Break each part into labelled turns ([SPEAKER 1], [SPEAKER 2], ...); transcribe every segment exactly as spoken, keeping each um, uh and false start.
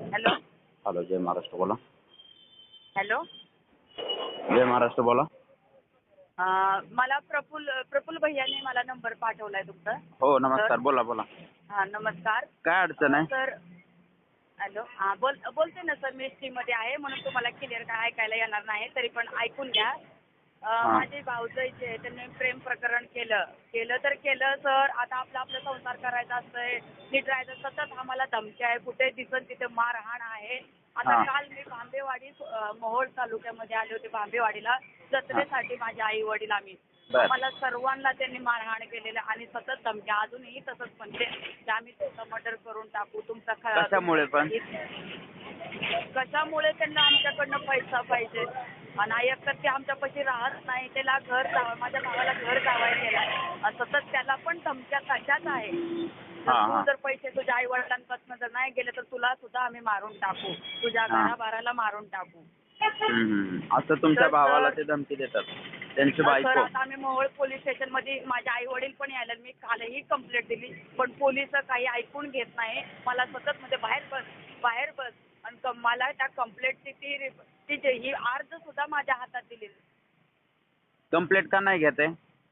[SPEAKER 1] Hello.
[SPEAKER 2] Hello, जय महाराष्ट्र बोला.
[SPEAKER 1] Hello.
[SPEAKER 2] जय महाराष्ट्र बोला.
[SPEAKER 1] अं, मला प्रफुल्ल प्रफुल्ल भैयाने मला नंबर पाठवलाय तुमचा.
[SPEAKER 2] हो नमस्कार,
[SPEAKER 1] सर.
[SPEAKER 2] बोला बोला.
[SPEAKER 1] हा नमस्कार.
[SPEAKER 2] काय अडचण
[SPEAKER 1] अं,
[SPEAKER 2] आहे?
[SPEAKER 1] सर. हॅलो. हा बोल बोलते ना सर, मी मध्ये आहे म्हणून तुम्हाला क्लिअर काय ऐकायला येणार नाही, तरी पण ऐकून घ्या. अं,
[SPEAKER 2] हा.
[SPEAKER 1] माझे भाऊजाई जे आहे त्यांनी प्रेम प्रकरण केलं केलं तर केलं सर. आता आपला आपला संसार करायचा असतंय, नीट राहायचं. सतत आम्हाला धमक्या आहे, कुठे दिसत तिथे मारहाण आहे. आता
[SPEAKER 2] हा.
[SPEAKER 1] काल मी भांबेवाडी अं, मोहोळ तालुक्यामध्ये आले होते भांबेवाडीला जत्रेसाठी. माझे आई वडील आम्ही
[SPEAKER 2] बर.
[SPEAKER 1] आम्हाला सर्वांना त्यांनी मारहाण केलेलं आणि सतत धमक्या अजूनही तसंच म्हणते की आम्ही तुमचं मर्डर करून टाकू तुमचा ख-
[SPEAKER 2] कशामुळे पण?
[SPEAKER 1] कशामुळे त्यांना आमच्याकडनं पैसा पाहिजे आणि एकतर ते आमच्यापाशी राहत नाही. त्याला घर जावं, माझ्या भावाला घर जावायला गेला. सतत त्याला पण धमक्या कशाच आहे. जर
[SPEAKER 2] हा,
[SPEAKER 1] तू
[SPEAKER 2] हा.
[SPEAKER 1] जर पैसे तुझ्या आई वडिलांपासून जर नाही गेले तर तुला सुद्धा आम्ही मारून टाकू, तुझ्या
[SPEAKER 2] हा.
[SPEAKER 1] घराबाराला मारून टाकू.
[SPEAKER 2] हम्म, हम्म. असं तुमच्या
[SPEAKER 1] तर
[SPEAKER 2] भावाला
[SPEAKER 1] सर-
[SPEAKER 2] ते धमकी देतात त्यांची
[SPEAKER 1] सर
[SPEAKER 2] बायको?
[SPEAKER 1] आता आम्ही मोहोळ पोलीस स्टेशनमध्ये माझे आई वडील पण यायला, मी कालही कंप्लेंट दिली पण पोलिस काही ऐकून घेत नाही. मला सतत म्हणजे बाहेर बस बाहेर बस आणि क- मला त्या कंप्लेंटची ती रि- ती जे- ही अर्ज सुद्धा माझ्या हातात दिली.
[SPEAKER 2] कंप्लेंट का नाही घेते?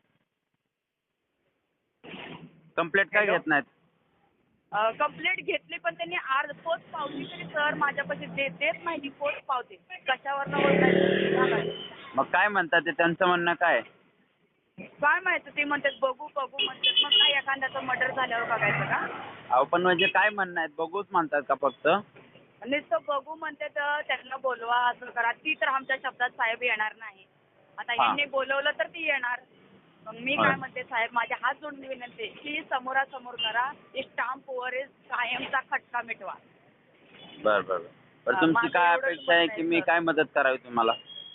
[SPEAKER 2] कंप्लेंट का
[SPEAKER 1] हॅलो?
[SPEAKER 2] घेत नाहीत?
[SPEAKER 1] कंप्लेंट घेतली पण त्यांनी अर्ज पोच पावती तरी सर माझ्यापाशी दे देत नाही. ती पोच पावती कशावर ओळखायचं?
[SPEAKER 2] मग काय म्हणतात ते, त्यांचं म्हणणं काय?
[SPEAKER 1] काय माहिती, ते म्हणतात बघू बघू म्हणतात. मग काय एखाद्याचं मर्डर झाल्यावर बघायचं का?
[SPEAKER 2] अहो पण म्हणजे काय म्हणणं आहेत, बघूच म्हणतात का फक्त?
[SPEAKER 1] नुसतं बघू म्हणते तर त्यांना बोलवा, असं करा. ती तर आमच्या शब्दात साहेब येणार नाही. आता
[SPEAKER 2] हा.
[SPEAKER 1] यांनी बोलवलं तर ती येणार. मग मी
[SPEAKER 2] होय.
[SPEAKER 1] काय म्हणते साहेब, माझ्या हात जोडून विनंती की समोरासमोर करा. एक स्टाम्पवर कायमचा खटका मिटवा.
[SPEAKER 2] बर बर बर. पण
[SPEAKER 1] हा,
[SPEAKER 2] तुमची
[SPEAKER 1] माझं
[SPEAKER 2] काय
[SPEAKER 1] एवढंच
[SPEAKER 2] अपेक्षा आहे
[SPEAKER 1] म्हणणं
[SPEAKER 2] की
[SPEAKER 1] आहे,
[SPEAKER 2] मी
[SPEAKER 1] सर.
[SPEAKER 2] काय मदत करावी तुम्हाला?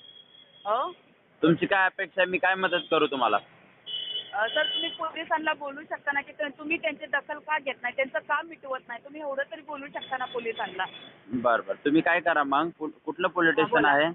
[SPEAKER 1] हो
[SPEAKER 2] तुमची काय अपेक्षा आहे, मी काय मदत करू तुम्हाला?
[SPEAKER 1] अ, सर तुम्ही पोलिसांना बोलू शकता ना की ते- तुम्ही त्यांची दखल का घेत नाही, त्यांचं का मिटवत नाही? तुम्ही एवढं तरी बोलू शकता ना पोलिसांना.
[SPEAKER 2] बर बर. तुम्ही काय करा मग, कु- कुठलं पोलीस
[SPEAKER 1] हा,
[SPEAKER 2] स्टेशन
[SPEAKER 1] बोला.
[SPEAKER 2] आहे?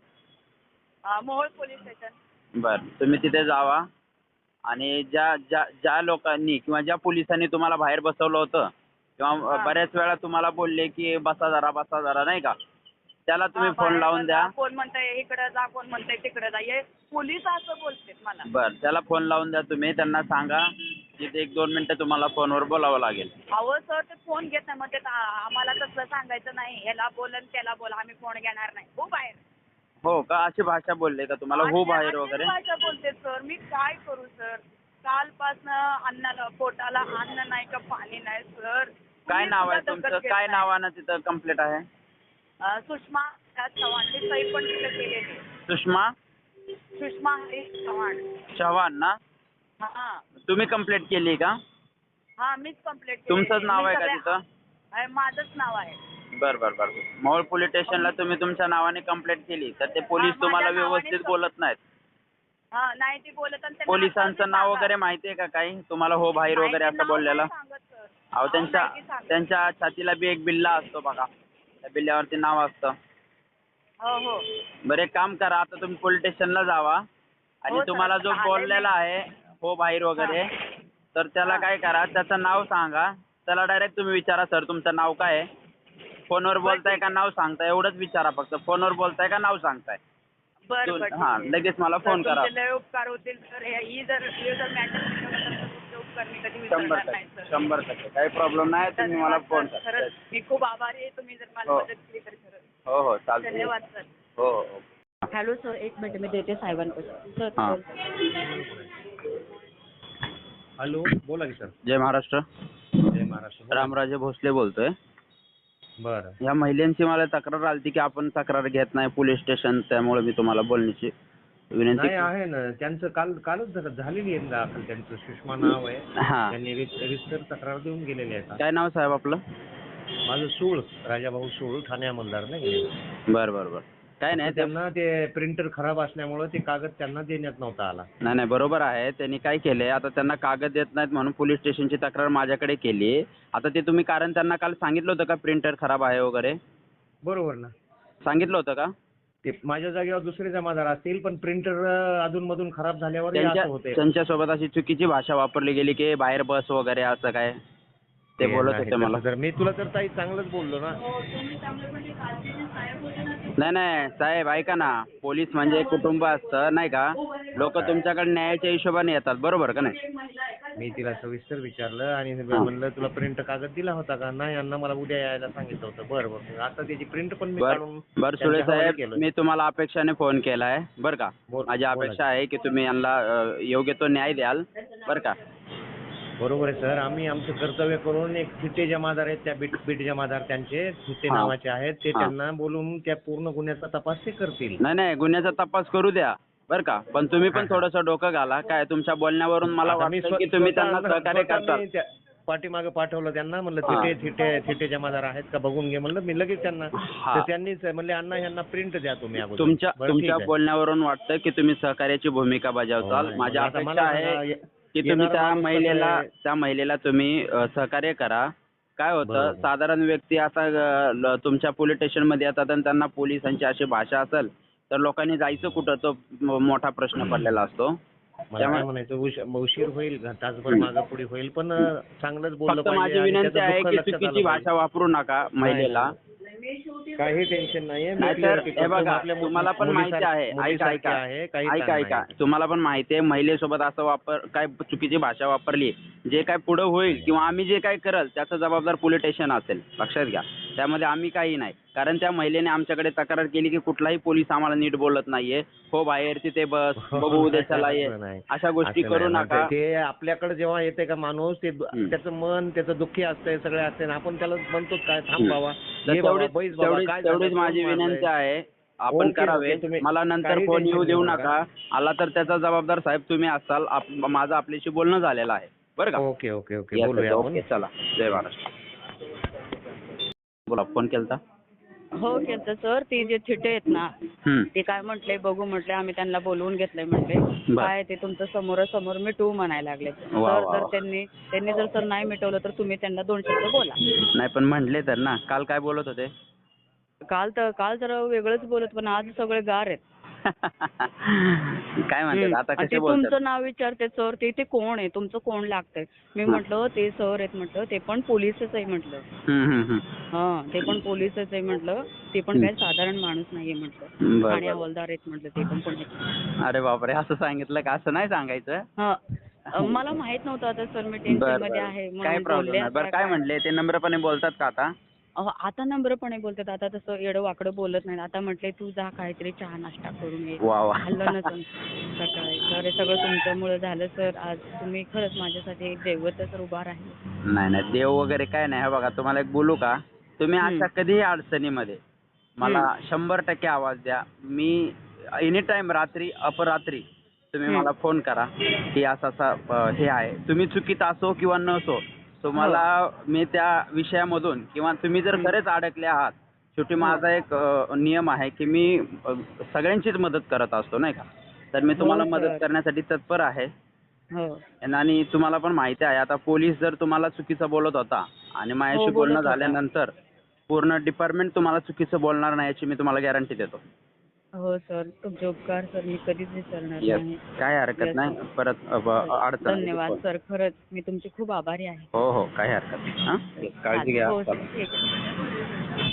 [SPEAKER 1] अ, मोहोळ पोलीस स्टेशन.
[SPEAKER 2] बर, तुम्ही तिथे जावा आणि ज्या ज्या ज्या लोकांनी किंवा ज्या पोलिसांनी तुम्हाला बाहेर बसवलं होतं किंवा
[SPEAKER 1] हा.
[SPEAKER 2] बऱ्याच वेळा तुम्हाला बोलले की बसा जरा बसा जरा नाही का, त्याला तुम्ही
[SPEAKER 1] हा,
[SPEAKER 2] फोन
[SPEAKER 1] बाहेर
[SPEAKER 2] लावून
[SPEAKER 1] बसा.
[SPEAKER 2] द्या.
[SPEAKER 1] कोण म्हणतंय इकडे जा, कोण म्हणतंय तिकडे जा. हे पोलीस असं बोलतात मला.
[SPEAKER 2] बर, त्याला फोन लावून द्या. तुम्ही त्यांना सांगा की ते एक दोन मिनिटं तुम्हाला फोनवर बोलावं लागेल.
[SPEAKER 1] अहो सर ते फोन घेत नाही म्हणते. आम्हाला तसलं सांगायचं नाही, ह्याला बोलन त्याला बोला, आम्ही फोन घेणार नाही. हो बाहेर.
[SPEAKER 2] हो का, अशी भाषा बोलले का तुम्हाला? हो
[SPEAKER 1] अशी-
[SPEAKER 2] बाहेर
[SPEAKER 1] अशीच
[SPEAKER 2] वगैरे?
[SPEAKER 1] भाषा बोलते सर. मी काय करू सर? कालपासनं अन्नाला पोटाला अन्न नाही का पाणी नाही सर.
[SPEAKER 2] काय
[SPEAKER 1] तुम्ही
[SPEAKER 2] नाव आहे
[SPEAKER 1] सुद्धा
[SPEAKER 2] तुमचं?
[SPEAKER 1] दखल घेत
[SPEAKER 2] काय
[SPEAKER 1] नाही.
[SPEAKER 2] नावानं तिथं कंप्लेंट आहे?
[SPEAKER 1] अ, सुषमा हरीश चव्हाण. मी सही पण तिथं केलेली.
[SPEAKER 2] सुषमा
[SPEAKER 1] सुषमा हरीश चव्हाण.
[SPEAKER 2] चव्हाण ना?
[SPEAKER 1] हा
[SPEAKER 2] तुम्ही कंप्लेंट केली का?
[SPEAKER 1] हा मीच कंप्लेंट केली.
[SPEAKER 2] तुमचंच नाव आहे का तिथं?
[SPEAKER 1] माझंच नाव आहे.
[SPEAKER 2] बर बर बर. मोहोळ पोलीस स्टेशनला तुम्ही तुमच्या नावाने कंप्लेंट केली तर ते पोलीस
[SPEAKER 1] हा,
[SPEAKER 2] तुम्हाला
[SPEAKER 1] माझ्या नावानेच
[SPEAKER 2] व्यवस्थित
[SPEAKER 1] कं-
[SPEAKER 2] बोलत नाहीत?
[SPEAKER 1] हा नाही ती बोलत आणि त्यांना
[SPEAKER 2] पोलिसांचं
[SPEAKER 1] आता
[SPEAKER 2] नाव
[SPEAKER 1] मी
[SPEAKER 2] वगैरे माहिती आहे का काही तुम्हाला? हो बाहेर
[SPEAKER 1] नाही,
[SPEAKER 2] वगैरे
[SPEAKER 1] ते
[SPEAKER 2] असं
[SPEAKER 1] नाव
[SPEAKER 2] बोललेलं?
[SPEAKER 1] नाही सांगत सर.
[SPEAKER 2] अहो
[SPEAKER 1] नाव
[SPEAKER 2] त्यांच्या
[SPEAKER 1] नाही ती सांगत.
[SPEAKER 2] त्यांच्या छातीला बी एक बिल्ला असतो बघा, त्या बिल्ल्यावरती नाव असतं.
[SPEAKER 1] हो हो
[SPEAKER 2] बरं एक काम करा, आता तुम्ही पोलीस स्टेशनला जावा आणि
[SPEAKER 1] हो सर,
[SPEAKER 2] तुम्हाला जो
[SPEAKER 1] आता आले
[SPEAKER 2] बोललेला
[SPEAKER 1] मी.
[SPEAKER 2] आहे हो बाहेर वगैरे, तर त्याला
[SPEAKER 1] हा.
[SPEAKER 2] काय करा, त्याचं नाव सांगा. त्याला डायरेक्ट तुम्ही विचारा, सर तुमचं नाव काय आहे? फोनवर बोलताय
[SPEAKER 1] ठीक
[SPEAKER 2] का
[SPEAKER 1] आहे.
[SPEAKER 2] नाव सांगताय? एवढंच विचारा फक्त. फोनवर बोलताय का नाव सांगताय?
[SPEAKER 1] बरं
[SPEAKER 2] दोन-
[SPEAKER 1] बरं ठीक
[SPEAKER 2] हां,
[SPEAKER 1] आहे.
[SPEAKER 2] लगेच मला
[SPEAKER 1] सर,
[SPEAKER 2] फोन करा.
[SPEAKER 1] तुमचे लय उपकार होतील सर. हे- ही जर हे जर मॅटर मिटवलं तर तुमचे उपकार मी कधी
[SPEAKER 2] शंभर
[SPEAKER 1] विसरणार नाही
[SPEAKER 2] टक्के
[SPEAKER 1] सर.
[SPEAKER 2] शंभर टक्के काही प्रॉब्लेम नाही. तुम्ही मला
[SPEAKER 1] धन्यवाद
[SPEAKER 2] फोन
[SPEAKER 1] सर.
[SPEAKER 2] करा.
[SPEAKER 1] खरंच मी खूप आभारी आहे. तुम्ही जर मला
[SPEAKER 2] हो.
[SPEAKER 1] मदत केली तर खरंच
[SPEAKER 2] हो हो चालतं.
[SPEAKER 1] धन्यवाद सर.
[SPEAKER 2] हो हो.
[SPEAKER 1] हॅलो सर, एक मिनिट मी देते साहेबांपासून. सर
[SPEAKER 2] हां.
[SPEAKER 1] बोल.
[SPEAKER 3] हॅलो, बोला की सर.
[SPEAKER 2] जय महाराष्ट्र.
[SPEAKER 3] जय महाराष्ट्र. बोला.
[SPEAKER 2] रामराजे भोसले बोलतोय.
[SPEAKER 3] बरं.
[SPEAKER 2] या महिलांची मला तक्रार आली की आपण तक्रार घेत नाही पोलीस स्टेशन, त्यामुळे मी तुम्हाला बोलण्याची विनंती
[SPEAKER 3] नाही
[SPEAKER 2] केली.
[SPEAKER 3] आहे ना, त्यांचं काल कालच झालं- झालेली आहे दाखल. त्यांचं सुषमा नाव आहे.
[SPEAKER 2] हां.
[SPEAKER 3] त्यांनी रित- रितसर तक्रार देऊन गेलेली आहे.
[SPEAKER 2] काय नाव साहेब आपलं?
[SPEAKER 3] माझं सूळ, राजाभाऊ सूळ, ठाणे अंमलदार नाही.
[SPEAKER 2] बरं बरं बरं. काय नाही ते
[SPEAKER 3] त्यांना ते प्रिंटर खराब असल्यामुळे ते कागद त्यांना देण्यात नव्हता आला.
[SPEAKER 2] नाही नाही बरोबर आहे. त्यांनी काय केलंय, आता त्यांना कागद देत नाहीत म्हणून पोलीस स्टेशनची तक्रार माझ्याकडे केली. आता ते तुम्ही कारण त्यांना काल सांगितलं होतं का प्रिंटर खराब आहे वगैरे?
[SPEAKER 3] बरोबर ना.
[SPEAKER 2] सांगितलं होतं का?
[SPEAKER 3] ते माझ्या जागेवर दुसरे जमादार असतील, पण प्रिंटर अधूनमधून खराब झाल्यावर हे
[SPEAKER 2] त्यांच्या
[SPEAKER 3] असं होते.
[SPEAKER 2] त्यांच्यासोबत अशी चुकीची भाषा वापरली गेली की बाहेर बस वगैरे असं काय? ते बोलत
[SPEAKER 3] नाही,
[SPEAKER 2] होते मला.
[SPEAKER 3] तसं तर मी तुला तर ताई चांगलंच बोललो ना.
[SPEAKER 2] नाही नाही साहेब ऐका ना, पोलीस म्हणजे एक कुटुंब असतं नाही का. लोक तुमच्याकडे न्यायाच्या हिशोबाने येतात, बरोबर का नाही.
[SPEAKER 3] मी तिला सविस्तर विचारलं आणि
[SPEAKER 2] हा.
[SPEAKER 3] म्हणलं तुला प्रिंट कागद दिला होता का? नाही अण्णा मला उद्या यायला सांगितलं होतं. बरं बरं आता त्याची प्रिंट पण मी
[SPEAKER 2] बर
[SPEAKER 3] काढून
[SPEAKER 2] बर सुळे
[SPEAKER 3] त्यांच्या हवाले
[SPEAKER 2] साहेब,
[SPEAKER 3] केलं.
[SPEAKER 2] मी तुम्हाला अपेक्षाने फोन केलाय बरं का.
[SPEAKER 3] बोल-
[SPEAKER 2] माझी
[SPEAKER 3] बोला
[SPEAKER 2] अपेक्षा
[SPEAKER 3] की.
[SPEAKER 2] आहे की तुम्ही यांना अ, योग्य तो न्याय द्याल बरं का.
[SPEAKER 3] बरोबर आहे सर, आम्ही आमचं कर्तव्य करून एक थिटे जमादार आहेत त्या बीट बीट जमादार त्यांचे थिटे
[SPEAKER 2] हा.
[SPEAKER 3] नावाचे आहेत ते
[SPEAKER 2] हा.
[SPEAKER 3] त्यांना बोलून त्या पूर्ण गुन्ह्याचा तपास ते करतील.
[SPEAKER 2] नाही नाही गुन्ह्याचा तपास करू द्या बरं का, पण तुम्ही पण
[SPEAKER 3] हा, हा.
[SPEAKER 2] थोडंसं डोकं घाला. काय तुमच्या बोलण्यावरून मला
[SPEAKER 3] आता मी
[SPEAKER 2] वाटतं
[SPEAKER 3] स्व-
[SPEAKER 2] की तुम्ही
[SPEAKER 3] स्वतः
[SPEAKER 2] त्यांना
[SPEAKER 3] अण्णा-
[SPEAKER 2] सहकार्य
[SPEAKER 3] स्वतः
[SPEAKER 2] करताल.
[SPEAKER 3] मी त्या पाठीमागं पाठवलं त्यांना, म्हणलं
[SPEAKER 2] हा.
[SPEAKER 3] थिटे थिटे थिटे जमादार आहेत का बघून घे म्हणलं मी लगेच त्यांना.
[SPEAKER 2] हा.
[SPEAKER 3] तर त्यांनीच म्हणले अण्णा यांना प्रिंट द्या तुम्ही अगोदर.
[SPEAKER 2] तुमच्या
[SPEAKER 3] बरं, ठीक
[SPEAKER 2] तुमच्या
[SPEAKER 3] आहे.
[SPEAKER 2] बोलण्यावरून वाटतं की तुम्ही सहकार्याची भूमिका बजावताल.
[SPEAKER 3] हो,
[SPEAKER 2] माझी
[SPEAKER 3] मग आता
[SPEAKER 2] अपेक्षा
[SPEAKER 3] मला
[SPEAKER 2] आहे
[SPEAKER 3] सांगा, ये-
[SPEAKER 2] की तुम्ही
[SPEAKER 3] येणारा
[SPEAKER 2] त्या
[SPEAKER 3] माणूस कसं
[SPEAKER 2] महिलेला
[SPEAKER 3] आहे?
[SPEAKER 2] त्या महिलेला तुम्ही अ, सहकार्य करा. काय होतं
[SPEAKER 3] बरोबर.
[SPEAKER 2] साधारण व्यक्ती असा अ, ल- तुमच्या पोलीस स्टेशनमध्ये येतात आणि त्यांना पोलिसांची अशी भाषा असेल तर लोकांनी जायचं कुठं, तो म- मोठा प्रश्न पडलेला असतो.
[SPEAKER 3] मला
[SPEAKER 2] त्यामुळे
[SPEAKER 3] काय म्हणायचं उश- उशीर होईल तासभर मागं पुढे होईल पण अं, चांगलंच बोललं
[SPEAKER 2] फक्त
[SPEAKER 3] पाहिजे
[SPEAKER 2] माझी
[SPEAKER 3] आणि
[SPEAKER 2] विनंती
[SPEAKER 3] त्याचं
[SPEAKER 2] आहे
[SPEAKER 3] दुःख
[SPEAKER 2] की
[SPEAKER 3] लक्षात
[SPEAKER 2] चुकीची
[SPEAKER 3] आलं
[SPEAKER 2] भाषा
[SPEAKER 3] पाहिजे.
[SPEAKER 2] वापरू नका महिलेला.
[SPEAKER 3] काही टेन्शन नाहीये. मी
[SPEAKER 2] नाहीतर
[SPEAKER 3] clarity
[SPEAKER 2] हे
[SPEAKER 3] करतो.
[SPEAKER 2] बघा,
[SPEAKER 3] आपल्या मु-
[SPEAKER 2] तुम्हाला पण माहिती
[SPEAKER 3] मुलीसारखी-
[SPEAKER 2] आहे, ऐका
[SPEAKER 3] मुलीसारखी
[SPEAKER 2] ऐका
[SPEAKER 3] आहे, काही
[SPEAKER 2] ऐका
[SPEAKER 3] ताण
[SPEAKER 2] ऐका
[SPEAKER 3] नाही.
[SPEAKER 2] तुम्हाला पण माहिती आहे महिलेसोबत असं वापर काय चुकीची भाषा वापरली, जे काय पुढे होईल किंवा आम्ही जे काय करल त्याचा जबाबदार पोलीस स्टेशन असेल, लक्षात घ्या. त्यामध्ये आम्ही काही नाही, कारण त्या महिलेने आमच्याकडे तक्रार केली की कुठलाही पोलीस आम्हाला नीट बोलत नाहीये. हो बाहेर तिथे बस बघू उद्या चला ये,
[SPEAKER 3] असं नाही.
[SPEAKER 2] अशा गोष्टी
[SPEAKER 3] असं
[SPEAKER 2] करू
[SPEAKER 3] नाही.
[SPEAKER 2] नका.
[SPEAKER 3] ते आपल्याकडे जेव्हा येते का माणूस ते
[SPEAKER 2] हम्म.
[SPEAKER 3] त्याचं मन त्याचं दुःखी असतंय सगळे असते आपण त्याला म्हणतो काय थांब
[SPEAKER 2] हम्म.
[SPEAKER 3] बाबा
[SPEAKER 2] तर
[SPEAKER 3] ये बाबा
[SPEAKER 2] तेवढीच
[SPEAKER 3] बैस बाबा
[SPEAKER 2] तेवढीच
[SPEAKER 3] काय झालं,
[SPEAKER 2] तेवढीच
[SPEAKER 3] कोण
[SPEAKER 2] माझी
[SPEAKER 3] मारलंय?
[SPEAKER 2] विनंती आहे आपण
[SPEAKER 3] ओके,
[SPEAKER 2] करावे.
[SPEAKER 3] ओके, तुम्ही
[SPEAKER 2] मला नंतर
[SPEAKER 3] काही
[SPEAKER 2] फोन येऊ
[SPEAKER 3] tension
[SPEAKER 2] देऊ
[SPEAKER 3] घेऊ
[SPEAKER 2] नका. आला तर त्याचा जबाबदार साहेब तुम्ही असाल. आप- माझं आपल्याशी बोलणं झालेलं आहे बरं का.
[SPEAKER 3] ओके ओके ओके
[SPEAKER 2] Yes,
[SPEAKER 3] बोलूया
[SPEAKER 2] yes,
[SPEAKER 3] आपण.
[SPEAKER 2] ओके चला, जय महाराष्ट्र. बोला, फोन केलता.
[SPEAKER 1] हो केलं सर. ती जे थिटे आहेत ना
[SPEAKER 2] हम्म.
[SPEAKER 1] ते काय म्हटले बघू म्हटले आम्ही त्यांना बोलवून घेतलंय म्हटले.
[SPEAKER 2] बर.
[SPEAKER 1] काय ते तुमचं समोरासमोर मिटवू म्हणायला लागले.
[SPEAKER 2] वा,
[SPEAKER 1] तर
[SPEAKER 2] वा,
[SPEAKER 1] जर
[SPEAKER 2] वा.
[SPEAKER 1] त्यांनी त्यांनी जर सर नाही मिटवलं तर तुम्ही त्यांना दोन शब्द बोला.
[SPEAKER 2] नाही पण म्हणले तर ना, काल काय बोलत होते.
[SPEAKER 1] काल तर काल जरा वेगळंच बोलत पण आज सगळे गार आहेत.
[SPEAKER 2] काय म्हणतात
[SPEAKER 1] हम्म.
[SPEAKER 2] आता,
[SPEAKER 1] आणि
[SPEAKER 2] कसे
[SPEAKER 1] ते
[SPEAKER 2] बोलतात.
[SPEAKER 1] तुमचं नाव विचारते सर ते ते कोण आहे तुमचं कोण लागतंय. मी
[SPEAKER 2] हा.
[SPEAKER 1] म्हटलं ते सर आहेत म्हटलं ते पण पोलीसच आहे म्हटलं.
[SPEAKER 2] हम्म, हम्म, हम्म.
[SPEAKER 1] हा ते पण पोलीसच आहे म्हटलं. ते पण
[SPEAKER 2] हम्म.
[SPEAKER 1] काही साधारण माणूस नाहीये म्हटलं.
[SPEAKER 2] बरं,
[SPEAKER 1] ठाणे
[SPEAKER 2] बरं.
[SPEAKER 1] हवालदार आहेत म्हटलं ते पण कोणी.
[SPEAKER 2] अरे बापरे, असं सांगितलं का. असं नाही सांगायचं.
[SPEAKER 1] हा अ, मला माहित नव्हतं आता सर मी
[SPEAKER 2] बरं,
[SPEAKER 1] टेन्शन मध्ये
[SPEAKER 2] बरं.
[SPEAKER 1] आहे
[SPEAKER 2] काय
[SPEAKER 1] म्हणून
[SPEAKER 2] प्रॉब्लेम
[SPEAKER 1] बोलले.
[SPEAKER 2] नाही. बरं
[SPEAKER 1] आता
[SPEAKER 2] काय
[SPEAKER 1] काय
[SPEAKER 2] म्हणले ते, नम्रपणे बोलतात का आता.
[SPEAKER 1] अहो, आता नम्रपणे बोलतात. आता तसं येडं वाकडं बोलत नाही. आता म्हटले तू जा काहीतरी चहा नाश्ता करून ये.
[SPEAKER 2] वा वा.
[SPEAKER 1] खाल्लं ना सर सकाळी. सर हे सगळं तुमच्यामुळे झालं सर. आज तुम्ही खरंच माझ्यासाठी एक दैवत सर उभा राहिले.
[SPEAKER 2] नाही नाही देव वगैरे काय नाही. हे बघा तुम्हाला एक बोलू का, तुम्ही
[SPEAKER 1] हम्म.
[SPEAKER 2] अशा कधीही अडचणीमध्ये मला शंभर टक्के आवाज द्या. मी एनी टाइम रात्री अपरात्री तुम्ही
[SPEAKER 1] हम्म.
[SPEAKER 2] मला फोन करा की असं असं अ, हे आहे. तुम्ही चुकीत असो किंवा नसो तुम्हाला मी त्या विषयामधून किंवा तुम्ही जर
[SPEAKER 1] हम्म.
[SPEAKER 2] खरेच अडकले आहात, शेवटी
[SPEAKER 1] हो.
[SPEAKER 2] माझा एक अ, नियम आहे की मी अ, सगळ्यांचीच मदत करत असतो नाही का. तर मी तुम्हाला
[SPEAKER 1] हो,
[SPEAKER 2] मदत
[SPEAKER 1] सर.
[SPEAKER 2] करण्यासाठी तत्पर आहे.
[SPEAKER 1] हो
[SPEAKER 2] आणि तुम्हाला पण माहिती आहे आता पोलीस जर तुम्हाला चुकीचं बोलत होता आणि माझ्याशी
[SPEAKER 1] हो, बोलत
[SPEAKER 2] बोलणं
[SPEAKER 1] होता.
[SPEAKER 2] झाल्यानंतर पूर्ण डिपार्टमेंट तुम्हाला चुकीचं बोलणार नाही याची मी तुम्हाला गॅरंटी देतो.
[SPEAKER 1] हो सर तुमचे उपकार सर मी कधीच विसरणार
[SPEAKER 2] Yes.
[SPEAKER 1] नाही.
[SPEAKER 2] काय हरकत
[SPEAKER 1] Yes,
[SPEAKER 2] नाही.
[SPEAKER 1] sir.
[SPEAKER 2] परत अ, ब- अडचण आली
[SPEAKER 1] धन्यवाद
[SPEAKER 2] तर
[SPEAKER 1] सर खरंच मी तुमची खूप आभारी आहे.
[SPEAKER 2] हो हो काही हरकत नाही. हां काळजी घ्या.
[SPEAKER 1] हो
[SPEAKER 2] चला.
[SPEAKER 1] सर ठीक आहे.